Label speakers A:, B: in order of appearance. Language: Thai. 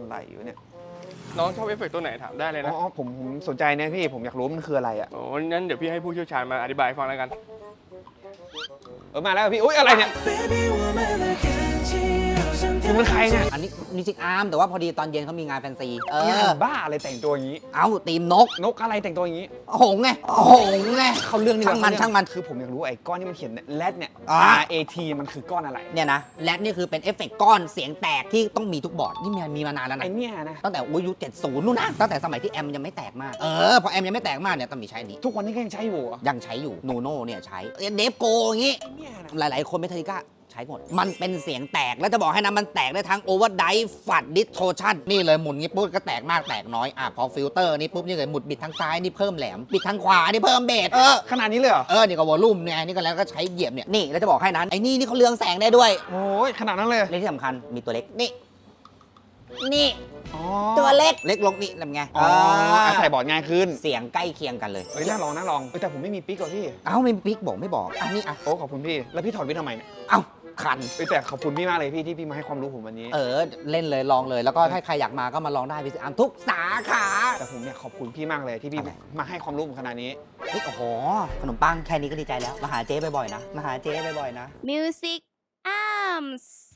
A: อะไรอยู่เนี่ย
B: น้องชอบเอฟเฟกต์ตัวไหนถามได้เลยนะ
A: อ๋อผมสนใจนะพี่ผมอยากรู้มันคืออะไรอ่ะ
B: โอ้งั้นเดี๋ยวพี่ให้ผู้เชี่ยวชาญมาอธิบายให้ฟังแล้วกัน
A: มาแล้วพี่อุ้ยอะไรเนี่ยคุณเป็นใครเนี่ย
C: อันนี้มิวสิกอาร์มแต่ว่าพอดีตอนเย็นเขามีงานแฟนซี
A: บ้าอะไรแต่งตัวอย่างนี้
C: เอาตีมนก
A: อะไรแต่งตัวอย่างนี้
C: หงไงหงไง
A: เขาเรื่องนี้
C: ช่างมัน
A: คือผมอยากรู้ไอ้ก้อนที่มันเขียนแรดเนี่ย RAT มันคือก้อนอะไร
C: เนี่ยนะแรดนี่คือเป็นเอฟเฟกต์ก้อนเสียงแตกที่ต้องมีทุกบอร์ดนี่มีมานานแล้วนะ
A: ไอ้เนี่ยนะ
C: ตั้งแต่ยุค70นู่นนะตั้งแต่สมัยที่แอมยังไม่แตกมากพอแอมยังไม่แตกมากเนี่ยต้องมีใช้นี้
A: ทุกวันนี้ก็ยังใช้อยู่
C: ยังใช้อยู่นูโน่เนี่ยใช้เดฟโกอย่างงี้หลายๆคนเมทัลลิก้าใช้หมดมันเป็นเสียงแตกแล้วจะบอกให้นะมันแตกได้ทั้งโอเวอร์ไดฟ์ฟัดดิสโทชันนี่เลยหมุนงี้ปุ๊บก็แตกมากแตกน้อยพอฟิลเตอร์นี่ปุ๊บนี่เลยหมุนบิดทางซ้ายนี่เพิ่มแหลมบิดทางขวานี่เพิ่มเบส
A: ขนาดนี้เลยเหรอ
C: นี่ก็วอลลุ่มเนี่ยนี่ก็แล้วก็ใช้เหยียบเนี่ยนี่แล้วจะบอกให้นั้นไอ้นี่เขาเรืองแสงได้ด้วย
A: โอ้ยขนาดนั้นเลย
C: และที่สำคัญมีตัวเล็กนี่ตัวเล็กลงนี่ทำไง
A: ใส่บอร์ดง่ายขึ้น
C: เสียงใกล้เคียงกันเลย
A: น่าลองแต่ผมไม่มีปิ๊กหรอพี่
C: ไม่มีปิ๊กไม่บอกอันนี้
A: โอ้ขอบคุณพี่แล้วพี่ถอดวิททำไมเนี่ย
C: คัน
A: แต่ขอบคุณพี่มากเลยพี่ที่พี่มาให้ความรู้ผมวันนี้
C: เล่นเลยลองเลยแล้วก็ถ้าใครอยากมาก็มาลองได้พี่ทุกสาขา
A: แต่ผมเนี่ยขอบคุณพี่มากเลยที่พี่มาให้ความรู้ผมขนาดนี้
C: โอ้โหขนมปังแค่นี้ก็ดีใจแล้วมาหาเจ๊บ่อยๆนะ
D: Music Arms